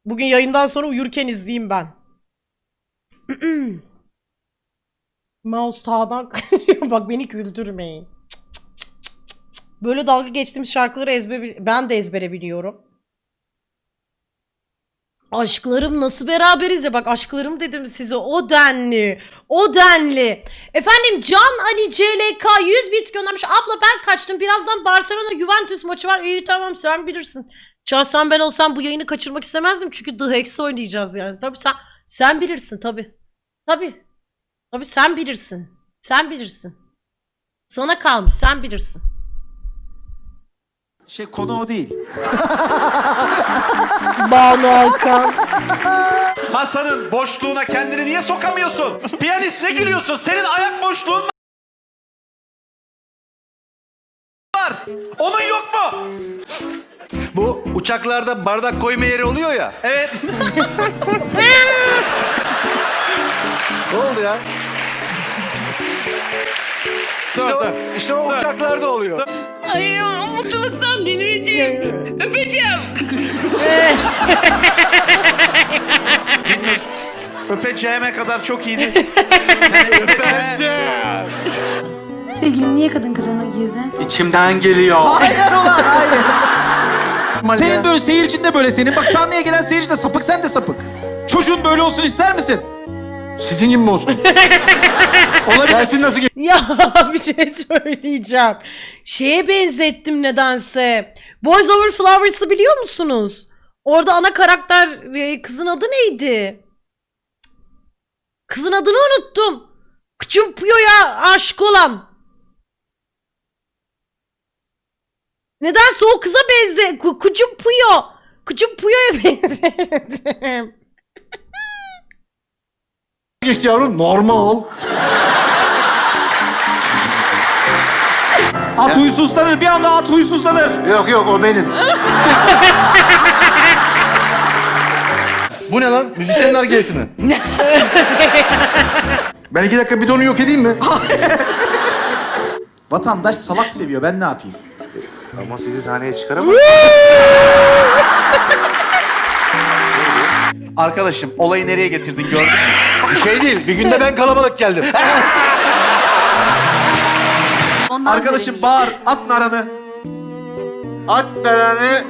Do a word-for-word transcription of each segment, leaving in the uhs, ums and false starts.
Bugün yayından sonra uyurken izleyeyim ben. Mouse tağdan kayıyor. Bak beni güldürmeyin. Böyle dalga geçtiğimiz şarkıları ezber ben de ezbere biliyorum. Aşklarım nasıl beraberiz ya, bak aşklarım dedim size, o denli o denli. Efendim Can Ali C L K yüz bit göndermiş. Abla ben kaçtım, birazdan Barcelona Juventus maçı var. İyi tamam, sen bilirsin. Şahsen ben olsam bu yayını kaçırmak istemezdim çünkü The Hex oynayacağız yani. Tabii sen sen bilirsin tabii. Tabii. Tabii sen bilirsin. Sen bilirsin. Sana kalmış, sen bilirsin. Şey, konu o değil. Banu Alkan. Masanın boşluğuna kendini niye sokamıyorsun? Piyanist ne gülüyorsun? Senin ayak boşluğun var. Onun yok mu? Bu uçaklarda bardak koyma yeri oluyor ya. Evet. Ne oldu ya? Dur, İşte o, dur. işte o Dur. uçaklarda oluyor. Ay mutluluktan delireceğim. Öpeceğim. Öpeceğime kadar çok iyiydi. Yani öpeceğim. Sevgilim niye kadın kılığına girdin? İçimden geliyor. Hayır ulan hayır. Senin böyle seyircin de böyle senin. Bak sahneye gelen seyirci de sapık, sen de sapık. Çocuğun böyle olsun ister misin? Sizin gibi mi olsun? Olabilir. Gelsin nasıl Ya bir şey söyleyeceğim. Şeye benzettim nedense. Boys Over Flowers'ı biliyor musunuz? Orada ana karakter e, kızın adı neydi? Kızın adını unuttum. Küçüm Puyo'ya aşık olan. Nedense o kıza benze... Ku- Küçüm Puyo. Küçüm Puyo'ya benzedim. geçti yavrum? Normal. At huysuzlanır, bir anda at huysuzlanır. Yok yok, o benim. Bu ne lan? Müzisyenler gelsin mi? Ben iki dakika bidonu yok edeyim mi? Vatandaş salak seviyor, ben ne yapayım? Ama sizi sahneye çıkaramam. Arkadaşım olayı nereye getirdin gördün mü? Bir şey değil. Bir günde ben kalabalık geldim. Ondan Arkadaşım bağır, at naranı. At dereni.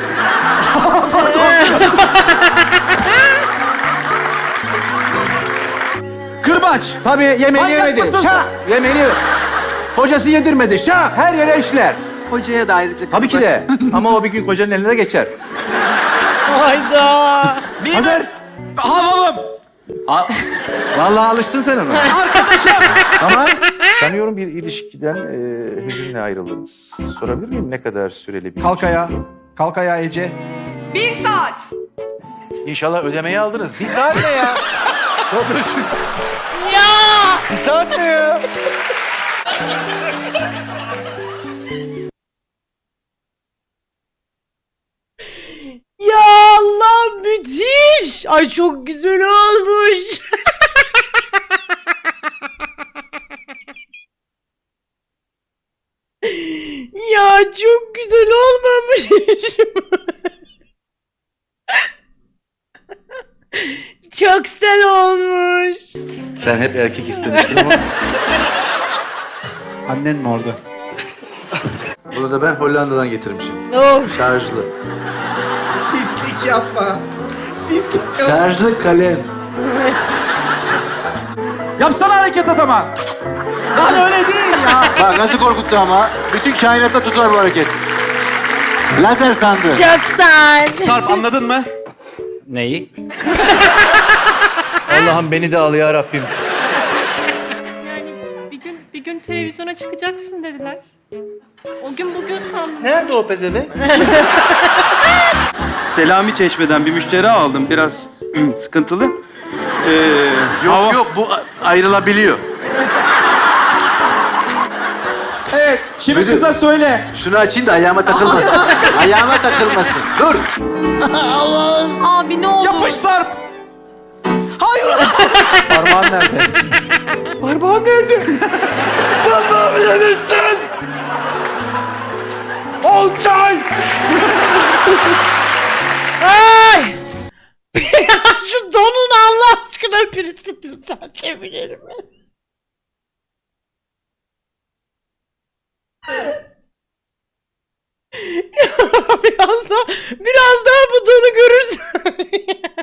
Kırbaç. Tabii yemeğini Manyak yemedi. mısın Şah! Yemeğini Hocası yedirmedi. Şah! Her yere işler. Hocaya da ayrıca. Tabii ki de. Ama o bir gün kocanın eline de geçer. Hayda. Niye Hazır. ben? Havamım. Vallahi alıştın sen ona. Arkadaşım. Tamam. Sanıyorum bir ilişkiden e, hüzünle ayrıldınız. Sorabilir miyim ne kadar süreli bir Kalk ayağa. Kalk ayağa Ece. Bir saat. İnşallah ödemeyi aldınız. Bir saat ne ya? Çok özür Ya. Bir saat ne ya? Ya Allah, müthiş. Ay çok güzel olmuş. Ya çok güzel olmamış. Çok güzel olmuş. Sen hep erkek istemiştin ama. Annen mi orada? Bunu da ben Hollanda'dan getirmişim. Of. Şarjlı. Pislik yapma. Pislik yapma. Şarjlı kalem. Yapsana hareket adama. Lan öyle değil ya. Bak nasıl korkuttu ama. Bütün kainatta tutar bu hareket. Lazer sandı. Çok güzel. Sarp anladın mı? Neyi? Allah'ım beni de al ya Rabbim. Yani bir gün bir gün televizyona çıkacaksın dediler. O gün bugün sandım. Nerede o pezevenk? Selami Çeşme'den bir müşteri aldım. Biraz sıkıntılı. Ee, Yok hava- yok bu a- ayrılabiliyor. Evet, şimdi Müdür. kıza söyle. Şunu açayım da ayağıma takılmasın. ayağıma takılmasın. Dur. Abi ne oldu? Yapış Sarp. Hayır. Parmağın nerede? Parmağım nerede? Parmağımı yemişsin. Olcay. Ay! düzeltebilir mi? biraz daha, biraz daha bu donu görürsün.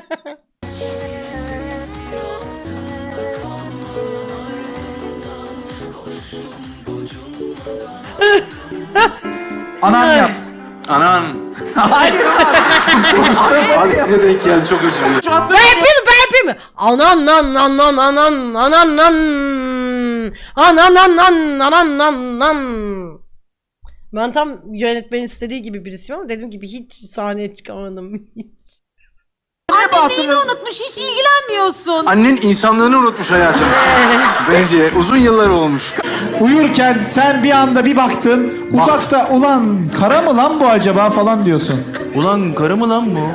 Anan yap. Anan. Hayır ulan. Abi size denk geldi çok özür dilerim. Şu Ben hatırlamıyorum. yapayım mı? Ben yapayım mı? Anan nan nan nan anan anan nan anan nan nan anan nan nan. Ben tam yönetmenin istediği gibi birisiyim ama dediğim gibi hiç sahneye çıkamadım. Annen neyini unutmuş hiç ilgilenmiyorsun. Annen insanlığını unutmuş hayatım. Bence uzun yıllar olmuş. Uyurken sen bir anda bir baktın, uzakta ulan kara mı lan bu acaba falan diyorsun. Ulan karı mı lan bu?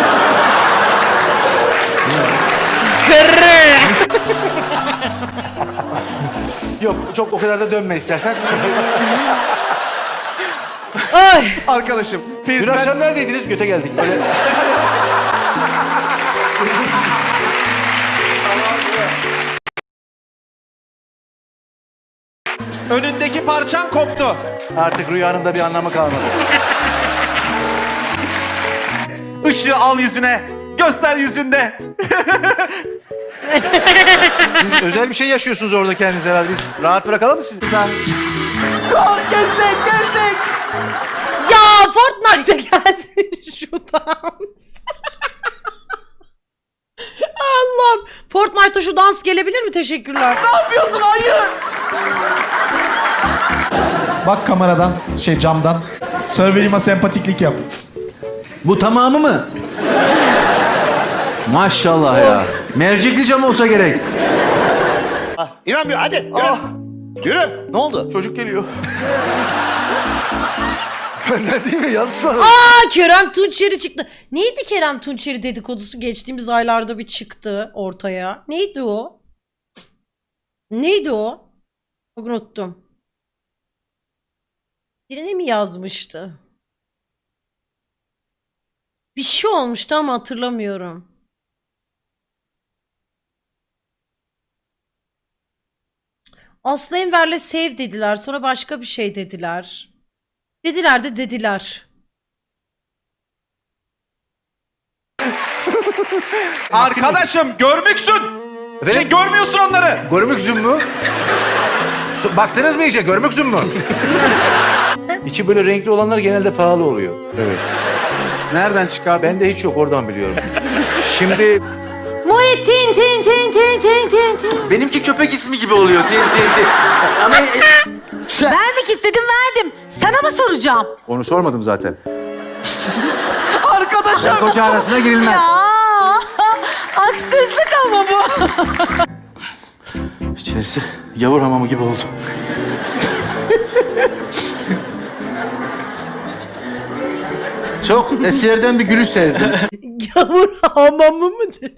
Kırı. Yok çok o kadar da dönme istersen. Ay. Arkadaşım. Ferit, Dün sen- akşam neredeydiniz? Göte geldik. Böyle. önündeki parçan koptu. Artık rüyanın da bir anlamı kalmadı. Işığı al yüzüne. Göster yüzünde. Siz özel bir şey yaşıyorsunuz orada kendiniz herhalde. Biz rahat bırakalım mı sizi? Kestek kestek. Ya Fortnite'da gelsin şu dans. Allah'ım. Fortnite'da şu dans gelebilir mi? Teşekkürler. Ne yapıyorsun? Hayır. Bak kameradan, şey camdan. Surveyor'ıma sempatiklik yap. Bu tamamı mı? Maşallah ya. Mercekli cam olsa gerek. İnanmıyor hadi yürü. Yürü. Ne oldu? Çocuk geliyor. Benden değil mi? Yanlış mı? Aa Kerem Tunçeri çıktı. Neydi Kerem Tunçeri dedikodusu geçtiğimiz aylarda bir çıktı ortaya. Neydi o? Neydi o? Çok unuttum. Birine mi yazmıştı? Bir şey olmuştu ama hatırlamıyorum. Aslı Enver'le sev dediler. Sonra başka bir şey dediler. Dediler de dediler. Arkadaşım görmüksün. Şey görmüyorsun onları. Görmük zümmü. Su- Baktınız mı iyice? Görmük zümmü. İçi böyle renkli olanlar genelde pahalı oluyor. Evet. Nereden çıkar? Bende hiç yok. Oradan biliyorum. Şimdi Muhittin tin tin tin tin tin tin. Benimki köpek ismi gibi oluyor. T N T. Ama Vermek istedim verdim. Sana mı soracağım? onu sormadım zaten. Arkadaşım. Koca arasına girilmez. Ya haksızlık ama bu. İçerisi yavur hamamı gibi oldu. Çok eskilerden bir gülüş sezdim. Gavur hamamı mı dedi?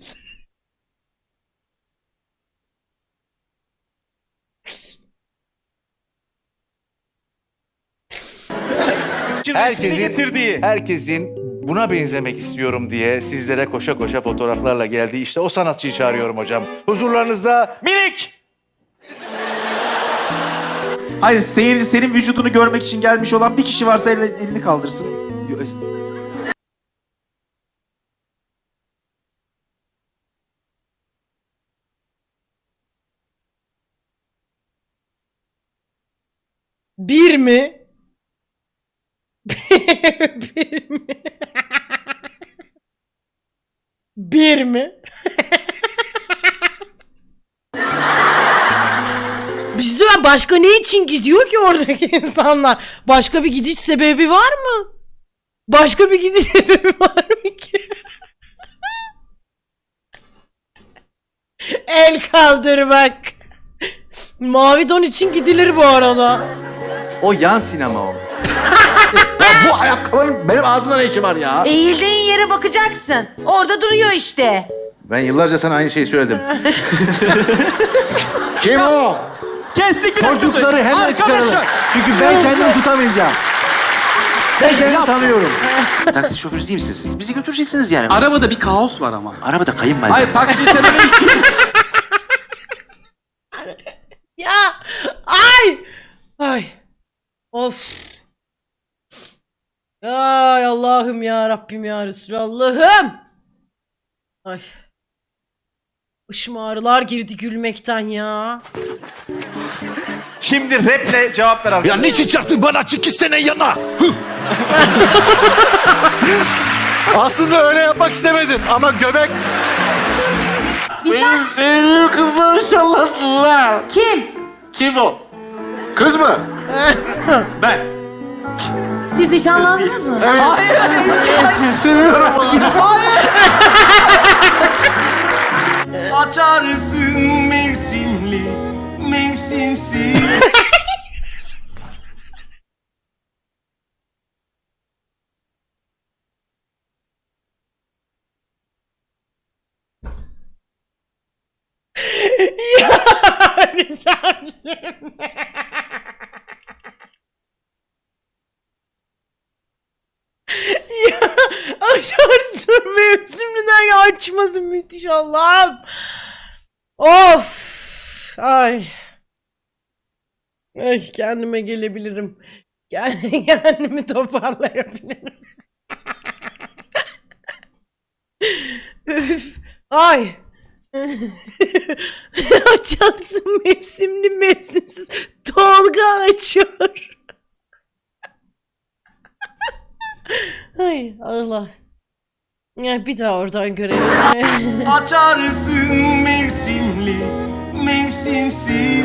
Resmini Herkesin, getirdiği. herkesin buna benzemek istiyorum diye sizlere koşa koşa fotoğraflarla geldi. İşte o sanatçıyı çağırıyorum hocam. Huzurlarınızda Minik. Hayır seyirci senin vücudunu görmek için gelmiş olan bir kişi varsa elini, elini kaldırsın. Bir mi? Bir mi? Bir mi? Bir şey söyleyeyim, başka ne için gidiyor ki oradaki insanlar? Başka bir gidiş sebebi var mı? Başka bir gidiş sebebi var mı ki? El kaldırmak. Mavi don için gidilir bu arada. o yan sinema o. Ya bu ayakkabının benim ağzımda ne işi var ya? Eğildiğin yere bakacaksın. Orada duruyor işte. Ben yıllarca sana aynı şeyi söyledim. Kim o? Kestik bir dakika. Çocukları hemen Arkadaşlar. çıkaralım. Çünkü ben kendimi tutamayacağım. Ben kendimi tanıyorum. Taksi şoförü değil misiniz siz? Bizi götüreceksiniz yani. arabada bir kaos var ama. Arabada kayınvalide. Hayır taksiyi sevene hiç değil. Of. Ay Allah'ım ya Rabbim ya Resulallah'ım. Ay. Başım ağrılar girdi gülmekten ya. Şimdi raple cevap ver arkadaşlar. Ya niçin çarptın bana iki sene yana? Aslında öyle yapmak istemedim ama göbek... Benim sevdiğim kızlar inşallah. Kim? Kim o? Kız mı? Ben. Siz nişanlandınız mı? Açarsın mevsimli, mevsimsiz. Yani kendim. Ya açarsın mevsimden açmasın müthiş Allah'ım. Of. Ay. Ay kendime gelebilirim. Kendi kendimi toparlayabilirim. Üf. Ay. Açarsın mevsimli mevsimsiz. Tolga açıyor. Ay Allah. Ya bir daha oradan görelim. Açarsın mevsimli, mevsimsiz.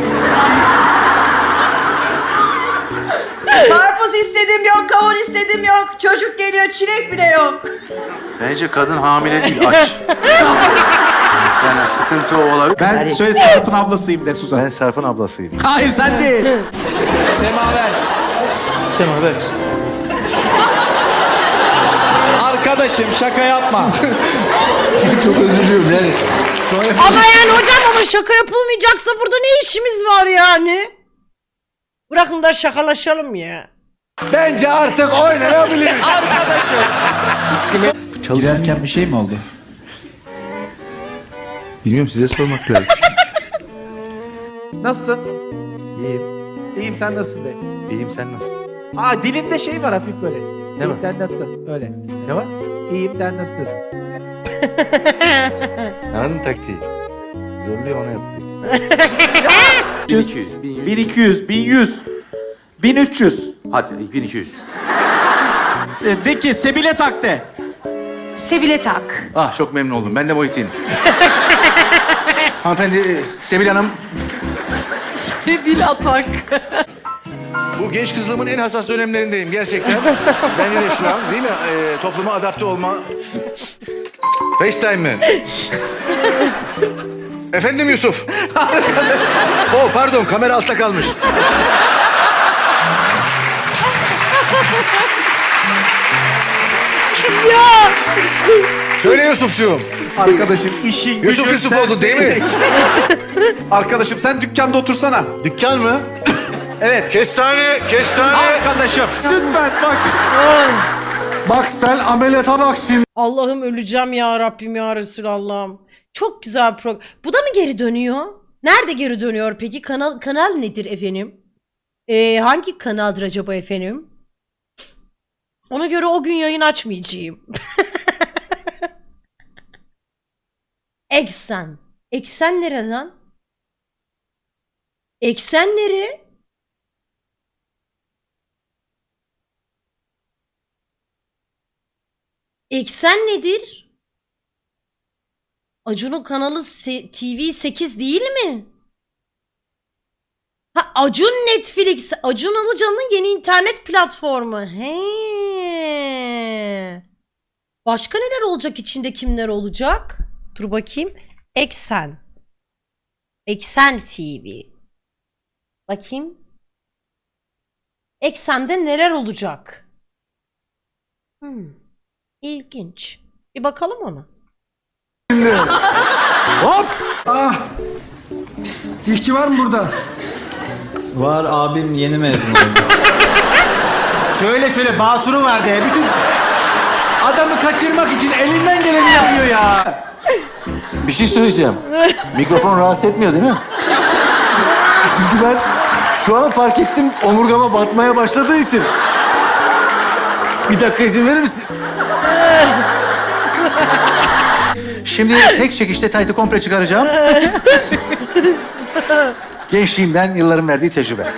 Karpuz istedim yok, kavun istedim yok. Çocuk geliyor, çilek bile yok. Bence kadın hamile değil, aç. Yani sıkıntı o olabilir. Ben şöyle Sarp'ın ablasıyım de Suzan. Ben Sarp'ın ablasıydım. Hayır sen değil. Semaver. Semaver. Arkadaşım şaka yapma. Çok özür diliyorum yani. Ama yani hocam ama şaka yapılmayacaksa burada ne işimiz var yani? Bırakın da şakalaşalım ya. Bence artık oynayabiliriz. Girerken bir şey mi oldu? Bilmiyorum, size sormak lazım. Nasılsın? İyiyim. İyiyim, sen nasılsın de. İyiyim, sen nasılsın? Aa dilinde şey var hafif böyle. Ne İyiyim var? dendattın öyle. Ne var? İyiyim dendattın. Anladın taktiği. Zorluyor, ona yaptırayım. bin iki yüz, bin iki yüz, bin yüz, bin üç yüz. Hadi bin iki yüz. E, de ki Sebile tak de. Sebile tak. Ah, çok memnun oldum. Ben de Muhittin. Hanımefendi, e, Sebil Hanım. Sebile tak. Bu genç kızlığımın en hassas dönemlerindeyim gerçekten. Bence de şu an değil mi? Ee, topluma adapte olma. FaceTime mi? Efendim Yusuf. Oh pardon, kamera altta kalmış. Ya. Söyle Yusufcuğum. Arkadaşım işin Yusuf gücün Yusuf oldu değil mi? serserilik. Arkadaşım sen dükkanda otursana. Dükkan mı? Evet. Kestane, kestane. Arkadaşım lütfen bak. Bak sen ameliyata bak şimdi. Allah'ım öleceğim ya Rabbim ya Resulallah'ım. Çok güzel bir program. Bu da mı geri dönüyor? Nerede geri dönüyor peki? Kanal kanal nedir efendim? Ee, hangi kanaldır acaba efendim? Ona göre o gün yayın açmayacağım. Eksen. Eksen nere lan? Eksen nere? Eksen nedir? Acun'un kanalı Se- T V sekiz değil mi? Ha Acun Netflix. Acun Ilıcalı'nın yeni internet platformu. He. Başka neler olacak, içinde kimler olacak? Dur bakayım. Eksen. Eksen T V. Bakayım. Eksen'de neler olacak? Hmm. İlginç. Bir bakalım ona. Hop! Ah! İşçi var mı burada? Var, abim yeni mezun oldu. Söyle söyle, basuru var diye. Bütün adamı kaçırmak için elinden geleni yapıyor ya. Bir şey söyleyeceğim. Mikrofon rahatsız etmiyor değil mi? Çünkü ben Şu an fark ettim omurgama batmaya başladığı için. Bir dakika izin verir misin? Şimdi tek çekişte taytı komple çıkaracağım. Gençliğimden yılların verdiği tecrübe.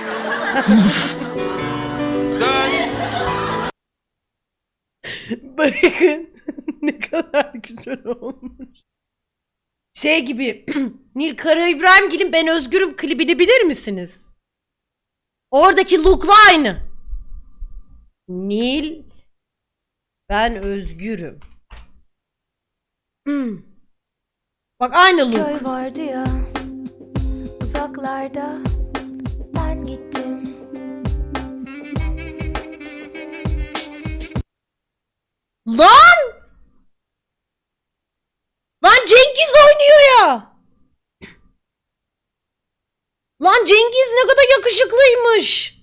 Bakın ne kadar güzel olmuş. Şey gibi Nil Kara İbrahimgil'in Ben Özgürüm klibini bilir misiniz? Oradaki look'la aynı. Nil Ben Özgürüm. Hmm. Bak aynı look. Köy vardı ya uzaklarda, ben gittim. Lan! Lan Cengiz oynuyor ya. Lan Cengiz ne kadar yakışıklıymış.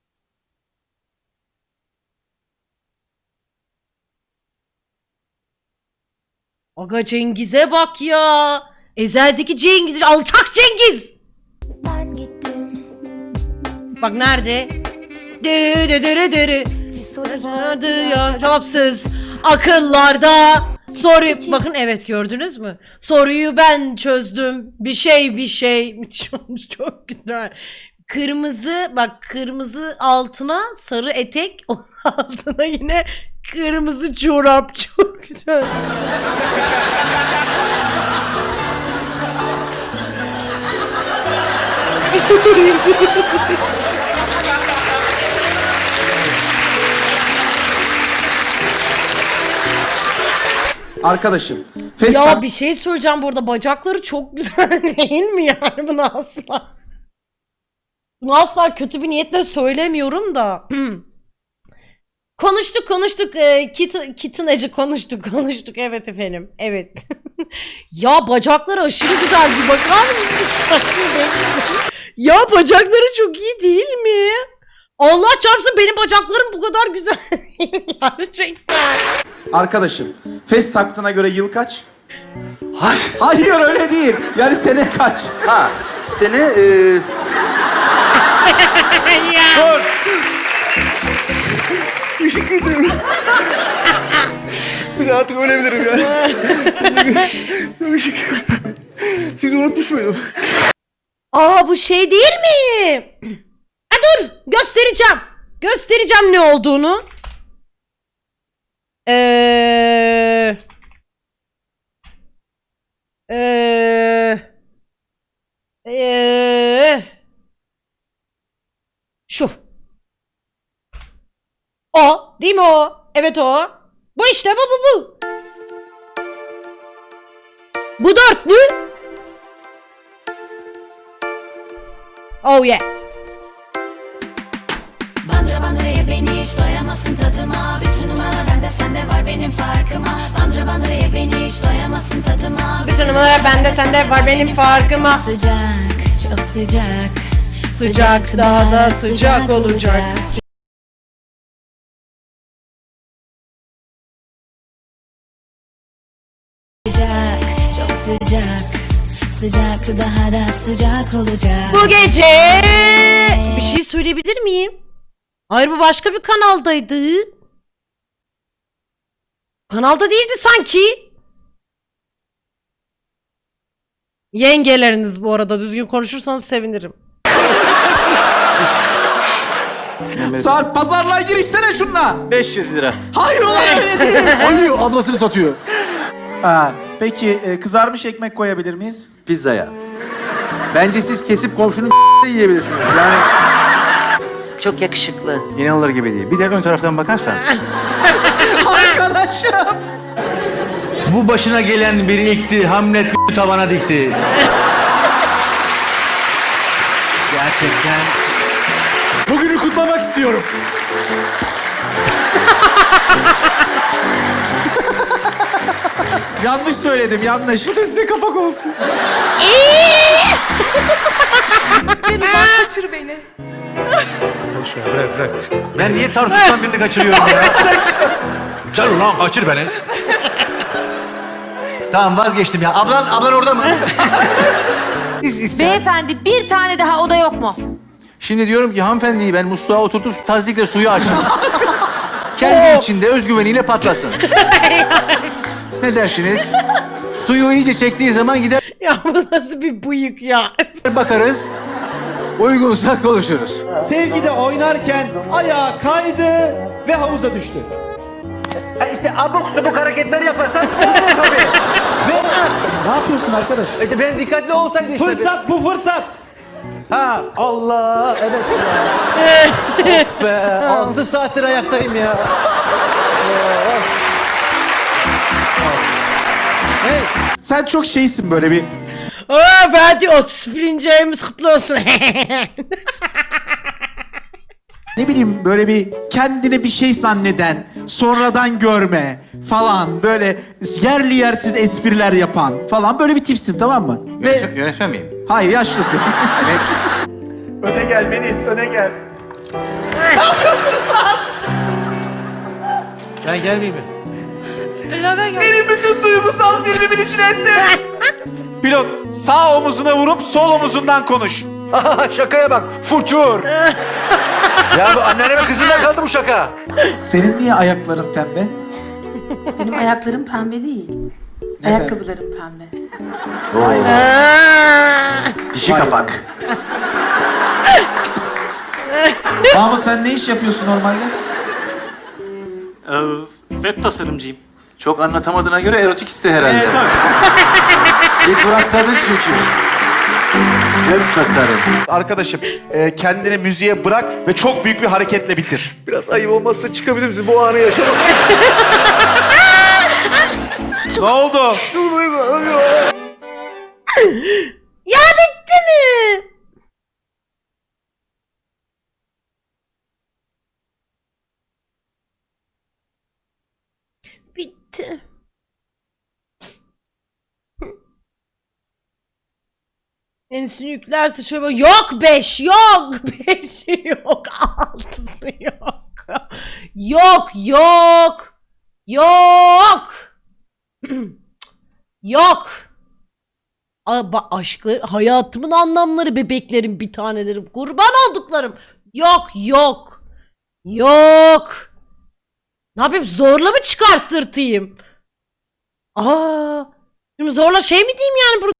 Aga Cengiz'e bak ya. Ezel'deki Cengiz, alçak Cengiz. Ben gittim. Bak nerede? Dere dere dere. Bir soru vardı Vardı ya. ya cevapsız akıllarda. Soru bakın evet gördünüz mü? Soruyu ben çözdüm. Bir şey bir şey. Çok, çok güzel. Kırmızı bak kırmızı altına sarı etek onun altına yine kırmızı çorap. Çok güzel. Arkadaşım. Festa... Ya bir şey söyleyeceğim burada. Bacakları çok güzel değil mi yani bunu asla? Bunu asla kötü bir niyetle söylemiyorum da. Konuştuk konuştuk. E, kit, kitineci konuştuk konuştuk. Evet efendim. Evet. Ya bacakları aşırı güzel bir bakar mısınız? Ya bacakları çok iyi değil mi? Allah çarpsın benim bacaklarım bu kadar güzel değil gerçekten. Arkadaşım. Fes taktığına göre yıl kaç? Hayır. Hayır öyle değil. Yani sene kaç? Ha, sene... E... Dur. Işık ediyorum. Bir de artık ölebilirim ya. Işık. Siz unutmuş muydum? Aa bu şey değil mi? Ha dur göstereceğim. Göstereceğim ne olduğunu. Eee... Eee... Eee... Şu. O. Değil mi o? Evet o. Bu işte bu bu bu. Bu dörtlü. Oh yeah. Bandıra bandıra ye beni hiç doyamazsın tadıma. Bütün numaralar bende sende var benim farkıma. Bandıra bandıra ye beni hiç doyamazsın tadıma. Bütün numaralar bende sende var benim farkıma. Sıcak, çok sıcak. Sıcak daha da sıcak olacak. Sıcak, çok sıcak. Sıcak daha da sıcak olacak. Bu gece bir şey söyleyebilir miyim? Hayır bu başka bir kanaldaydı. Kanalda değildi sanki. Yengeleriniz bu arada düzgün konuşursanız sevinirim. Sarp pazarlığa girişsene şunla. beş yüz lira. Hayır ulan öyle değil. Alıyor, ablasını satıyor. Ha, peki e, kızarmış ekmek koyabilir miyiz? Pizzaya. Bence siz kesip komşunun yiyebilirsiniz. Yani Çok yakışıklı. inanılır gibi değil. Bir de ön taraftan bakarsan. Arkadaşım. Bu başına gelen bir ilkti. Hamlet tavana dikti. Gerçekten. Bugünü kutlamak istiyorum. Yanlış söyledim yanlış. Bu da size kapak olsun. Kaçır beni. Boş ver, bırak, bırak. Ben niye Tarsus'tan birini kaçırıyorum ya? Can ulan kaçır beni. Tamam vazgeçtim ya. Ablan, ablan orada mı? İz, ister. Beyefendi bir tane daha oda yok mu? Şimdi diyorum ki hanımefendiyi ben musluğa oturtup tazikle suyu açtım. Kendi içinde özgüveniyle patlasın. Ne dersiniz? Suyu iyice çektiği zaman gider Ya bu nasıl bir bıyık ya? bakarız. Uygunsa konuşuruz. Sevgide oynarken ayağı kaydı ve havuza düştü. İşte abuk subuk hareketler yaparsan tabii. Ve ne yapıyorsun arkadaş? E ben dikkatli olsaydı işte. Fırsat bu fırsat. Ha Allah evet. Of be altı saattir ayaktayım ya. Sen çok şeysin böyle bir. Aa Fatih otuz birinci ayımız kutlu olsun. Ne bileyim böyle bir kendine bir şey zanneden, sonradan görme falan böyle yerli yersiz espriler yapan falan böyle bir tipsin, tamam mı? Ve Yönetmen miyim? hayır, yaşlısın. Öne gel Melis, öne gel. Ben gelmeyeyim mi? Beraber gel. Benim bütün duygusal filmimin içine etti. Pilot, sağ omuzuna vurup sol omuzundan konuş. Şakaya bak. Fuçur. Ya bu anneanneme kızıyla kaldı bu şaka. Senin niye ayakların pembe? Benim ayaklarım pembe değil. Ayakkabılarım pembe. Dişi kapak. Mahmut sen ne iş yapıyorsun normalde? Web tasarımcıyım. Çok anlatamadığına göre erotik iste herhalde. Bir duraksadın çünkü. Web tasarım. Arkadaşım, e, kendini müziğe bırak ve çok büyük bir hareketle bitir. Biraz ayıp olmazsa çıkabilir misin? Bu anı yaşamak Ne oldu? Ya bitti mi? Bitti. Ensini yüklerse şöyle böyle, yok beş yok beş yok altısı yok yok yok yok yok. Aba aşklar, hayatımın anlamları, bebeklerim, bir tanelerim, kurban olduklarım. Yok yok yok. Ne yapayım, zorla mı çıkarttırtayım? Aa, şimdi zorla şey mi diyeyim yani burada?